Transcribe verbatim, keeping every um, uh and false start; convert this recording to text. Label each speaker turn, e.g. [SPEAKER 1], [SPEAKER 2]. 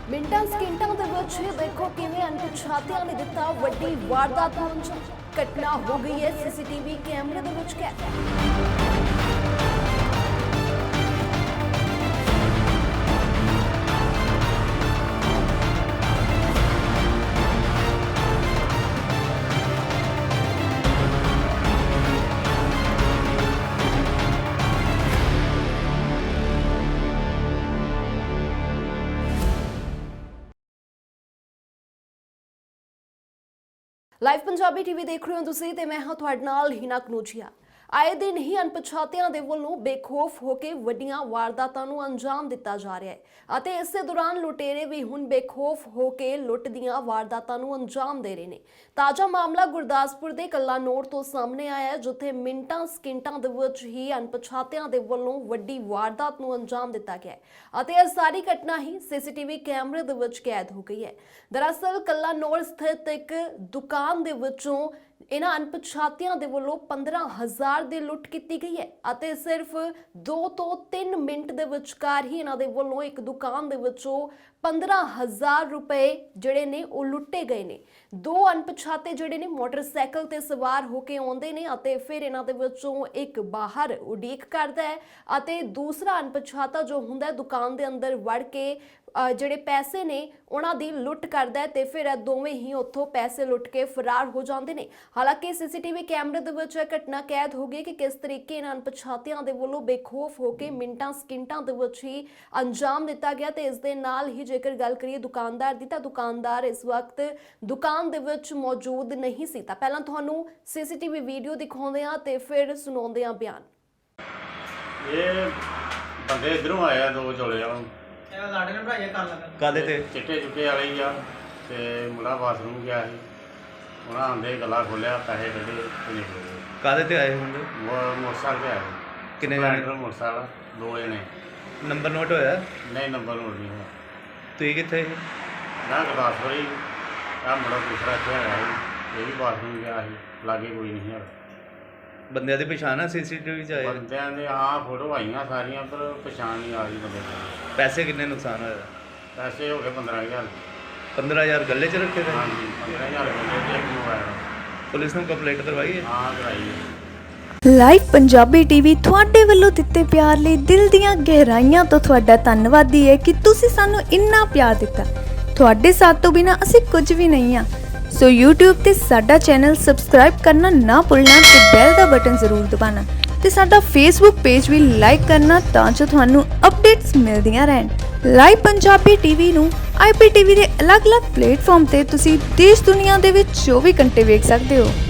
[SPEAKER 1] ਮਿੰਟਾਂ ਸਕਿੰਟਾਂ ਦੇ ਵਿੱਚ ਦੇਖੋ ਕਿਵੇਂ ਅਣਪਛਾਤਿਆਂ ਨੇ ਦਿੱਤਾ ਵੱਡੀ ਵਾਰਦਾਤ ਨੂੰ ਅੰਜਾਮ। ਘਟਨਾ ਹੋ ਗਈ ਹੈ ਸੀਸੀਟੀਵੀ ਕੈਮਰੇ ਦੇ ਵਿੱਚ ਕੈਦ। ਲਾਈਵ ਪੰਜਾਬੀ ਟੀਵੀ ਦੇਖ ਰਹੇ ਹੋ ਤੁਸੀਂ ਤੇ ਮੈਂ ਹਾਂ ਤੁਹਾਡੇ ਨਾਲ ਹੀਨਾ ਕਨੂਜੀਆ। ਆਏ ਦਿਨ ਹੀ ਅਣਪਛਾਤਿਆਂ ਦੇ ਵੱਲੋਂ ਬੇਖੌਫ ਹੋ ਕੇ ਵੱਡੀਆਂ ਵਾਰਦਾਤਾਂ ਨੂੰ ਅੰਜਾਮ ਦਿੱਤਾ ਜਾ ਰਿਹਾ ਹੈ ਅਤੇ ਇਸੇ ਦੌਰਾਨ ਲੁਟੇਰੇ ਵੀ ਹੁਣ ਬੇਖੌਫ ਹੋ ਕੇ ਲੁੱਟ ਦੀਆਂ ਵਾਰਦਾਤਾਂ ਨੂੰ ਅੰਜਾਮ ਦੇ ਰਹੇ ਨੇ। ਤਾਜ਼ਾ ਮਾਮਲਾ ਗੁਰਦਾਸਪੁਰ ਦੇ ਕਲਾਨੌਰ ਤੋਂ ਸਾਹਮਣੇ ਆਇਆ ਹੈ, ਜਿੱਥੇ ਮਿੰਟਾਂ ਸਕਿੰਟਾਂ ਦੇ ਵਿੱਚ ਹੀ ਅਣਪਛਾਤਿਆਂ ਦੇ ਵੱਲੋਂ ਵੱਡੀ ਵਾਰਦਾਤ ਨੂੰ ਅੰਜਾਮ ਦਿੱਤਾ ਗਿਆ ਹੈ ਅਤੇ ਇਹ ਸਾਰੀ ਘਟਨਾ ਹੀ ਸੀਸੀਟੀਵੀ ਕੈਮਰੇ ਦੇ ਵਿੱਚ ਕੈਦ ਹੋ ਗਈ ਹੈ। ਦਰਅਸਲ ਕਲਾਨੌਰ ਸਥਿਤ ਇੱਕ ਦੁਕਾਨ ਦੇ ਵਿੱਚੋਂ ਇਹਨਾਂ ਅਣਪਛਾਤਿਆਂ ਦੇ ਵੱਲੋਂ ਪੰਦਰਾਂ ਹਜ਼ਾਰ ਦੀ ਲੁੱਟ ਕੀਤੀ ਗਈ ਹੈ ਅਤੇ ਸਿਰਫ ਦੋ ਤੋਂ ਤਿੰਨ ਮਿੰਟ ਦੇ ਵਿਚਕਾਰ ਹੀ ਇਹਨਾਂ ਦੇ ਵੱਲੋਂ ਇੱਕ ਦੁਕਾਨ ਦੇ ਵਿੱਚੋਂ ਪੰਦਰਾਂ ਹਜ਼ਾਰ ਰੁਪਏ ਜਿਹੜੇ ਨੇ ਉਹ ਲੁੱਟੇ ਗਏ ਨੇ। ਦੋ ਅਣਪਛਾਤੇ ਜਿਹੜੇ ਨੇ ਮੋਟਰਸਾਈਕਲ ਤੇ ਸਵਾਰ ਹੋ ਕੇ ਆਉਂਦੇ ਨੇ ਅਤੇ ਫਿਰ ਇਹਨਾਂ ਦੇ ਵਿੱਚੋਂ ਇੱਕ ਬਾਹਰ ਉਡੀਕ ਕਰਦਾ ਹੈ ਅਤੇ ਦੂਸਰਾ ਅਣਪਛਾਤਾ ਜੋ ਹੁੰਦਾ ਦੁਕਾਨ ਦੇ ਅੰਦਰ ਵੜ ਕੇ ਜਿਹੜੇ ਪੈਸੇ ਨੇ ਉਹਨਾਂ ਦੀ ਲੁੱਟ ਕਰਦਾ ਹੈ ਤੇ ਫਿਰ ਇਹ ਦੋਵੇਂ ਹੀ ਉੱਥੋਂ ਪੈਸੇ ਲੁੱਟ ਕੇ ਫਰਾਰ ਹੋ ਜਾਂਦੇ ਨੇ। ਹਾਲਾਂਕਿ ਸੀਸੀਟੀਵੀ ਕੈਮਰੇ ਦੇ ਵਿੱਚ ਇਹ ਘਟਨਾ ਕੈਦ ਹੋ ਗਈ ਕਿ ਕਿਸ ਤਰੀਕੇ ਨਾਲ ਅਣਪਛਾਤਿਆਂ ਦੇ ਵੱਲੋਂ ਬੇਖੌਫ ਹੋ ਕੇ ਮਿੰਟਾਂ ਸਕਿੰਟਾਂ ਦੇ ਵਿੱਚ ਹੀ ਅੰਜਾਮ ਦਿੱਤਾ ਗਿਆ ਤੇ ਇਸ ਦੇ ਨਾਲ ਹੀ ਜੇਕਰ ਗੱਲ ਕਰੀਏ ਦੁਕਾਨਦਾਰ ਦੀ ਤਾਂ ਦੁਕਾਨਦਾਰ ਇਸ ਵਕਤ ਦੁਕਾਨ ਦੇ ਵਿੱਚ ਮੌਜੂਦ ਨਹੀਂ ਸੀ। ਤਾਂ ਪਹਿਲਾਂ ਤੁਹਾਨੂੰ ਸੀਸੀਟੀਵੀ ਵੀਡੀਓ ਦਿਖਾਉਂਦੇ ਆ ਤੇ ਫਿਰ ਸੁਣਾਉਂਦੇ ਆ ਬਿਆਨ।
[SPEAKER 2] ਇਹ ਬੰਦੇ ਇਧਰੋਂ ਆਇਆ ਦੋ ਚੋਲੇ ਆ
[SPEAKER 3] ਲਾੜੇ ਨੇ ਭਰਾਇਆ ਕਰ ਲੱਗਾ
[SPEAKER 4] ਕਾਦੇ ਤੇ
[SPEAKER 2] ਚਿੱਟੇ ਚੁੱਕੇ ਵਾਲੇ ਹੀ ਆ ਤੇ ਮੁੰਡਾ ਬਾਥਰੂਮ ਗਿਆ ਸੀ। ਉਹਨਾਂ ਆਂਦੇ ਗਲਾ ਖੋਲਿਆ ਪੈਸੇ ਕੱਢੇ ਤੇ ਨਿਕਲ ਗਏ।
[SPEAKER 4] ਕਾਦੇ ਤੇ ਆਏ ਹੁੰਦੇ?
[SPEAKER 2] ਉਹ ਮੋਟਰਸਾਈਕਲ ਤੇ ਆਏ
[SPEAKER 4] ਕਿੰਨੇ
[SPEAKER 2] ਸਪਲੈਂਡਰ ਮੋਟਰਸਾਈਕਲ ਦੋ ਜਣੇ।
[SPEAKER 4] ਨੰਬਰ ਨੋਟ ਹੋਇਆ?
[SPEAKER 2] ਨਹੀਂ ਨੰਬਰ ਨੋਟ ਨਹੀਂ ਹੋਇਆ।
[SPEAKER 4] ਤੁਸੀਂ ਕਿੱਥੇ ਸੀ?
[SPEAKER 2] ਮੈਂ ਗੁਰਦਾਸਪੁਰ ਹੀ ਆ ਮੁੰਡਾ ਦੂਸਰਾ ਇੱਥੇ ਆਇਆ ਸੀ, ਇਹ ਵੀ ਬਾਥਰੂਮ ਗਿਆ ਸੀ, ਲਾਗੇ ਕੋਈ ਨਹੀਂ ਹੈਗਾ।
[SPEAKER 4] ਬੰਦਿਆਂ ਦੀ ਪਛਾਣ ਆ ਸੀਸੀਟੀਵੀ 'ਚ ਆਏ?
[SPEAKER 2] ਬੰਦਿਆਂ ਦੇ ਹਾਂ ਫੋਟੋ ਆਈਆਂ ਸਾਰੀਆਂ ਪਰ ਪਛਾਣ ਨਹੀਂ ਆ ਰਹੀ ਬੰਦੇ ਦੀ।
[SPEAKER 4] ਪੈਸੇ ਕਿੰਨੇ ਨੁਕਸਾਨ ਹੋਇਆ?
[SPEAKER 2] ਪੈਸੇ ਹੋ ਗਏ ਪੰਦਰਾਂ ਹਜ਼ਾਰ।
[SPEAKER 4] ਪੰਦਰਾਂ ਹਜ਼ਾਰ ਗੱਲੇ 'ਚ ਰੱਖੇ ਤੇ?
[SPEAKER 2] ਹਾਂਜੀ ਪੰਦਰਾਂ ਹਜ਼ਾਰ ਬੰਦੇ ਤੇ ਇੱਕ ਮੋਬਾਈਲ।
[SPEAKER 4] ਪੁਲਿਸ ਨੂੰ ਕੰਪਲੇਂਟ ਕਰਵਾਈ ਹੈ?
[SPEAKER 2] ਹਾਂ ਕਰਾਈ ਹੈ।
[SPEAKER 5] ਲਾਈਵ ਪੰਜਾਬੀ ਟੀਵੀ ਤੁਹਾਡੇ ਵੱਲੋਂ ਦਿੱਤੇ ਪਿਆਰ ਲਈ ਦਿਲ ਦੀਆਂ ਗਹਿਰਾਈਆਂ ਤੋਂ ਤੁਹਾਡਾ ਧੰਨਵਾਦੀ ਹੈ ਕਿ ਤੁਸੀਂ ਸਾਨੂੰ ਇੰਨਾ ਪਿਆਰ ਦਿੱਤਾ। ਤੁਹਾਡੇ ਸਾਥ ਤੋਂ ਬਿਨਾਂ ਅਸੀਂ ਕੁਝ ਵੀ ਨਹੀਂ ਹਾਂ। ਸੋ YouTube ਤੇ ਸਾਡਾ ਚੈਨਲ ਸਬਸਕ੍ਰਾਈਬ ਕਰਨਾ ਨਾ ਭੁੱਲਣਾ ਤੇ ਬੈਲ ਦਾ ਬਟਨ ਜ਼ਰੂਰ ਦਬਾਉਣਾ ਤੇ ਸਾਡਾ Facebook ਪੇਜ ਵੀ ਲਾਈਕ ਕਰਨਾ ਤਾਂ ਜੋ ਤੁਹਾਨੂੰ ਅਪਡੇਟਸ ਮਿਲਦੀਆਂ ਰਹਿਣ। ਲਾਈਵ ਪੰਜਾਬੀ ਟੀਵੀ ਨੂੰ ਆਈ ਪੀ ਟੀ ਵੀ ਦੇ ਅਲੱਗ-ਅਲੱਗ ਪਲੇਟਫਾਰਮ ਤੇ ਤੁਸੀਂ ਦੇਸ਼ ਦੁਨੀਆ ਦੇ ਵਿੱਚ ਚੌਵੀ ਘੰਟੇ ਵੇਖ ਸਕਦੇ ਹੋ।